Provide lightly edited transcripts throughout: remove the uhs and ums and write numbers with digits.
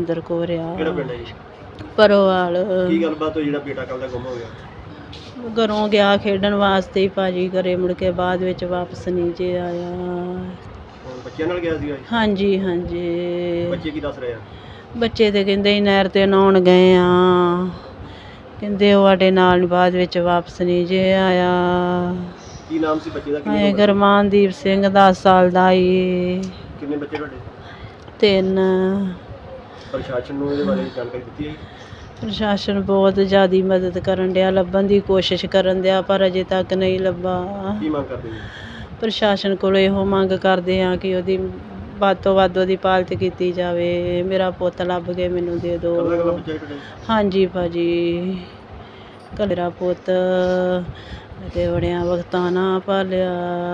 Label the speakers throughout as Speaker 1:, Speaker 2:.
Speaker 1: ਜਸਵਿੰਦਰ ਕੌਰ ਆ।
Speaker 2: ਕਿਹੜਾ ਪਿੰਡ ਹੈ ਜੀ?
Speaker 1: ਪਰੋਵਾਲ।
Speaker 2: ਕੀ ਗੱਲਬਾਤ ਹੋਈ ਜਿਹੜਾ ਬੇਟਾ ਕੱਲ ਦਾ ਗੁੰਮ ਹੋ ਗਿਆ?
Speaker 1: ਘਰੋਂ ਗਿਆ ਖੇਡਣ ਵਾਸਤੇ ਹੀ ਭਾਜੀ, ਘਰੇ ਮੁੜ ਕੇ ਬਾਅਦ ਵਿੱਚ ਵਾਪਸ ਨਹੀਂ ਜੇ ਆਇਆ।
Speaker 2: ਹੁਣ ਬੱਚਿਆਂ ਨਾਲ ਗਿਆ ਸੀਗਾ ਜੀ?
Speaker 1: ਹਾਂਜੀ ਹਾਂਜੀ।
Speaker 2: ਬੱਚੇ ਕੀ ਦੱਸ ਰਹੇ ਆ?
Speaker 1: ਬੱਚੇ ਤੇ ਕਹਿੰਦੇ ਸੀ ਨਹਿਰ ਤੇ ਨਹਾਉਣ ਗਏ ਆ, ਕਹਿੰਦੇ ਉਹ ਸਾਡੇ ਨਾਲ ਬਾਅਦ ਵਿੱਚ ਵਾਪਸ ਨਹੀਂ ਜੇ ਆਇਆ।
Speaker 2: ਕੀ ਨਾਮ ਸੀ ਬੱਚੇ ਦਾ? ਕਿੰਨੀ
Speaker 1: ਹਾਏ
Speaker 2: ਉਮਰ ਸੀ?
Speaker 1: ਗੁਰਮਾਨਦੀਪ ਸਿੰਘ 10 ਸਾਲ ਦਾ ਈ।
Speaker 2: ਕਿੰਨੇ ਬੱਚੇ ਤੁਹਾਡੇ?
Speaker 1: 3।
Speaker 2: ਪ੍ਰਸ਼ਾਸਨ ਨੂੰ ਇਹਦੇ ਬਾਰੇ ਜਾਣਕਾਰੀ ਦਿੱਤੀ ਹੈ ਜੀ?
Speaker 1: ਪ੍ਰਸ਼ਾਸਨ ਬਹੁਤ ਜ਼ਿਆਦਾ ਮਦਦ ਕਰਨ ਡਿਆ, ਲੱਭਣ ਦੀ ਕੋਸ਼ਿਸ਼ ਕਰਨ ਡਿਆ, ਪਰ ਅਜੇ ਤੱਕ ਨਹੀਂ ਲੱਭਾ।
Speaker 2: ਕੀ ਮੰਗ ਕਰਦੇ ਜੀ?
Speaker 1: ਪ੍ਰਸ਼ਾਸਨ ਕੋਲੋਂ ਇਹੋ ਮੰਗ ਕਰਦੇ ਹਾਂ ਕਿ ਉਹਦੀ ਵੱਧ ਤੋਂ ਵੱਧ ਉਹਦੀ ਪਾਲਤ ਕੀਤੀ ਜਾਵੇ। ਮੇਰਾ ਪੁੱਤ ਲੱਭ ਕੇ ਮੈਨੂੰ ਦੇ
Speaker 2: ਕੱਲਾ ਕੱਲਾ
Speaker 1: ਦਿਓ।
Speaker 2: ਬੱਚਾ ਤੁਹਾਡੇ?
Speaker 1: ਹਾਂਜੀ ਭਾਜੀ, ਮੇਰਾ ਪੁੱਤ ਤੇ ਬੜਿਆਂ ਵਕਤਾਂ ਨਾ ਪਾਲਿਆ,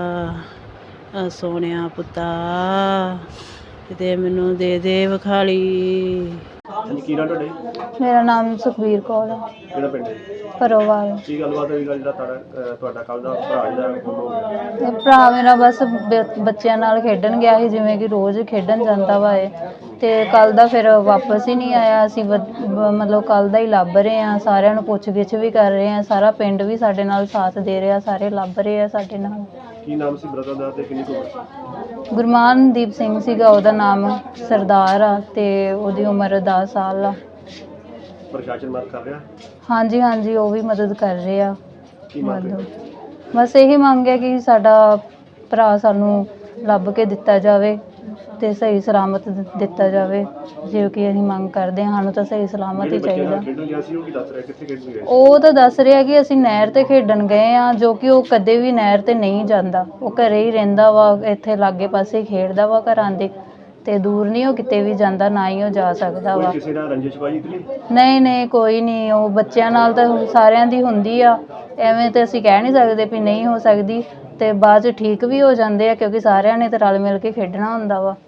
Speaker 1: ਸੋਹਣਿਆ ਪੁੱਤਾ, ਤੇ ਮੈਨੂੰ ਦੇ ਦੇ ਵਿਖਾਲੀ।
Speaker 2: ਹਾਂਜੀ, ਕੀ ਨਾਮ ਤੁਹਾਡੇ?
Speaker 3: ਮੇਰਾ ਨਾਮ ਸੁਖਬੀਰ ਕੌਰ ਹੈ,
Speaker 2: ਕਿਹੜਾ ਪਿੰਡ ਹੈ?
Speaker 3: ਪਰੋਵਾਲ।
Speaker 2: ਕੀ ਗੱਲਬਾਤ ਹੋਈ ਜਿਹੜਾ ਤੁਹਾਡਾ ਕੱਲ ਦਾ ਭਰਾ ਜਿਹੜਾ ਗੁੰਮ ਹੋ ਗਿਆ?
Speaker 3: ਤੇ ਭਰਾ ਮੇਰਾ ਬਸ ਬੱਚਿਆਂ ਨਾਲ ਖੇਡਣ ਗਿਆ ਸੀ, ਜਿਵੇਂ ਕਿ ਰੋਜ਼ ਖੇਡਣ ਜਾਂਦਾ ਵਾ ਇਹ, ਤੇ ਕੱਲ ਦਾ ਫਿਰ ਵਾਪਸ ਹੀ ਨਹੀਂ ਆਇਆ। ਅਸੀਂ ਮਤਲਬ ਕੱਲ ਦਾ ਹੀ ਲੱਭ ਰਹੇ ਹਾਂ, ਸਾਰਿਆਂ ਨੂੰ ਪੁੱਛ ਗਿੱਛ ਵੀ ਕਰ ਰਹੇ ਹਾਂ, ਸਾਰਾ ਪਿੰਡ ਵੀ ਸਾਡੇ ਨਾਲ ਸਾਥ ਦੇ ਰਿਹਾ, ਸਾਰੇ ਲੱਭ ਰਹੇ ਆ ਸਾਡੇ ਨਾਲ।
Speaker 2: ਕੀ ਨਾਮ ਸੀ ਬ੍ਰਦਰ ਦਾ ਤੇ ਕਿੰਨੀ ਕੁ ਉਮਰ ਸੀ?
Speaker 3: ਗੁਰਮਾਨਦੀਪ ਸਿੰਘ ਸੀਗਾ ਉਹਦਾ ਨਾਮ, ਸਰਦਾਰ ਆ, ਤੇ ਉਹਦੀ ਉਮਰ 10 ਸਾਲ ਆ।
Speaker 2: ਪ੍ਰਸ਼ਾਸਨ ਮਦਦ ਕਰ ਰਿਹਾ?
Speaker 3: ਹਾਂਜੀ ਹਾਂਜੀ, ਉਹ ਵੀ ਮਦਦ ਕਰ ਰਹੇ ਆ।
Speaker 2: ਕੀ ਮੰਗ ਰਹੇ?
Speaker 3: ਬਸ ਇਹੀ ਮੰਗ ਹੈ ਕਿ ਸਾਡਾ ਭਰਾ ਸਾਨੂੰ ਲੱਭ ਕੇ ਦਿੱਤਾ ਜਾਵੇ ਤੇ ਸਹੀ ਸਲਾਮਤ ਦਿੱਤਾ ਜਾਵੇ, ਜੋ ਕਿ ਅਸੀਂ ਮੰਗ ਕਰਦੇ ਹਾਂ। ਸਾਨੂੰ ਤਾਂ ਸਹੀ ਸਲਾਮਤ ਹੀ ਚਾਹੀਦਾ।
Speaker 2: ਖੇਡਣ ਗਿਆ ਸੀ ਉਹ ਕੀ ਦੱਸ ਰਿਹਾ, ਕਿੱਥੇ ਖੇਡਣ ਗਿਆ?
Speaker 3: ਉਹ ਤਾਂ ਦੱਸ ਰਿਹਾ ਕਿ ਅਸੀਂ ਨਹਿਰ ਤੇ ਖੇਡਣ ਗਏ ਆ, ਜੋ ਕਿ ਉਹ ਕਦੇ ਵੀ ਨਹਿਰ ਤੇ ਨਹੀਂ ਜਾਂਦਾ, ਉਹ ਘਰੇ ਹੀ ਰਹਿੰਦਾ ਵਾ, ਇੱਥੇ ਲਾਗੇ ਪਾਸੇ ਖੇਡਦਾ ਵਾ ਘਰਾਂ ਦੇ, ਤੇ ਦੂਰ ਨਹੀਂ ਉਹ ਕਿਤੇ ਵੀ ਜਾਂਦਾ, ਨਾ ਹੀ ਉਹ ਜਾ ਸਕਦਾ ਵਾ।
Speaker 2: ਕਿਸੇ ਨਾਲ ਰੰਜਿਸ਼ਬਾਜੀ ਤੇ ਨਹੀਂ?
Speaker 3: ਨਹੀਂ ਨਹੀਂ, ਕੋਈ ਨਹੀਂ। ਉਹ ਬੱਚਿਆਂ ਨਾਲ ਤਾਂ ਸਾਰਿਆਂ ਦੀ ਹੁੰਦੀ ਆ, ਐਵੇਂ ਤੇ ਅਸੀਂ ਕਹਿ ਨਹੀਂ ਸਕਦੇ ਵੀ ਨਹੀਂ ਹੋ ਸਕਦੀ, ਤੇ ਬਾਅਦ 'ਚ ਠੀਕ ਵੀ ਹੋ ਜਾਂਦੇ ਆ, ਕਿਉਂਕਿ ਸਾਰਿਆਂ ਨੇ ਤਾਂ ਰਲ ਮਿਲ ਕੇ ਖੇਡਣਾ ਹੁੰਦਾ ਵਾ।